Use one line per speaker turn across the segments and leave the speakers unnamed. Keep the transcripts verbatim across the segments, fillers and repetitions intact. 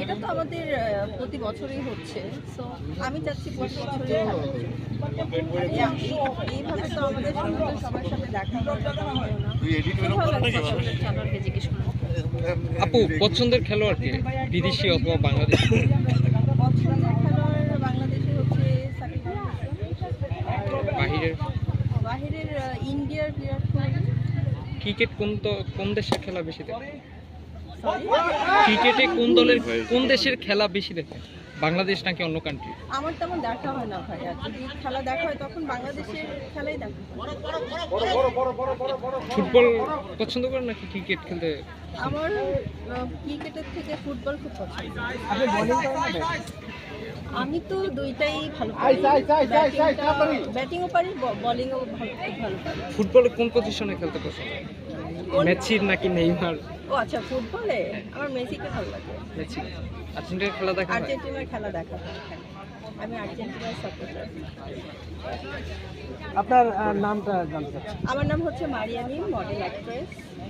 এটা তো আমাদের আহ, প্রতি বছরই হচ্ছে, সো আমি চাচ্ছি প্রতি বছরই হবে। এই- এইভাবে তো আমাদের সঙ্গে সবার সাথে দেখা হয় না, কথা হয় না। খুব ভালো লাগছে আসলে খেলোয়াড়কে জিজ্ঞেস করে।
আপু পছন্দের খেলোয়াড় কে, বিদেশি অথবা বাংলাদেশি?
পছন্দের খেলোয়াড় বাংলাদেশে হচ্ছে সাকিব আল হাসান, আর
বাহিরের
বাহিরের আহ, ইন্ডিয়ার বিরাট কোহলি।
ক্রিকেট কোন দ- কোন দেশের খেলা বেশি দেখে?
Sorry?
ক্রিকেটে কোন দলের কোন দেশের খেলা বেশি দেখে, বাংলাদেশ নাকি অন্য কান্ট্রি?
আমার তেমন দেখা হয় না ভাই, আর যদি খেলা দেখা হয় তখন বাংলাদেশের খেলাই দেখা হয়।
ফুটবল পছন্দ করেন নাকি ক্রিকেট খেলতে?
আমার আহ, ক্রিকেটের থেকে ফুটবল খুব পছন্দ।
আপনি বোলিং করেন না ব্যাটিং?
আমি তো দুইটাই ভালো পারি, ব্যাটিংও পারি, বোলিংও ভালো খুব ভালো পারি।
ফুটবলে কোন পজিশনে খেলতে পছন্দ?
কোন-
মেসি নাকি নেইমার?
ও আচ্ছা, ফুটবলে আমার মেসিকে ভালো লাগে।
মেসি। আর্জেন্টিনার খেলা দেখা হয়?
আর্জেন্টিনার খেলা দেখা হয়, হ্যাঁ। আমি আর্জেন্টিনার সাপোর্টার।
আপনার আহ, নামটা জানতে চাচ্ছি।
আমার নাম হচ্ছে মারিয়ামি, মডেল অ্যাক্ট্রেস।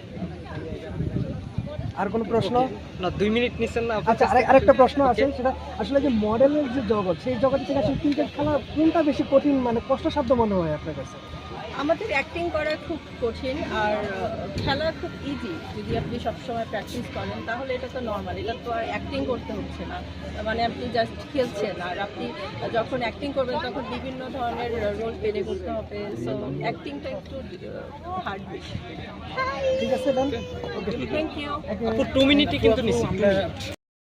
আর কোনো প্রশ্ন?
না, দুই মিনিট নিচ্ছেন না?
আচ্ছা, আরেক- আরেকটা প্রশ্ন আছে, সেটা আসলে যে মডেলের যে জগৎ, সেই জগৎ থেকে আসলে ক্রিকেট খেলা কোনটা বেশি কঠিন, মানে কষ্টসাধ্য মনে হয় আপনার কাছে?
আমাদের অ্যাক্টিং করা খুব কঠিন, আর আহ, খেলা খুব ইজি। যদি আপনি সবসময় প্র্যাকটিস করেন তাহলে এটা তো নর্মাল, এটা তো আর অ্যাক্টিং করতে হচ্ছে না, মানে আপনি জাস্ট খেলছেন। আর আপনি যখন অ্যাক্টিং করবেন তখন বিভিন্ন ধরনের রোল প্লে করতে হবে, সো অ্যাক্টিংটা একটু হার্ড বেশি।
ঠিক আছে, ডান।
Thank you.
আপু টু মিনিটই কিন্তু নিচ্ছি।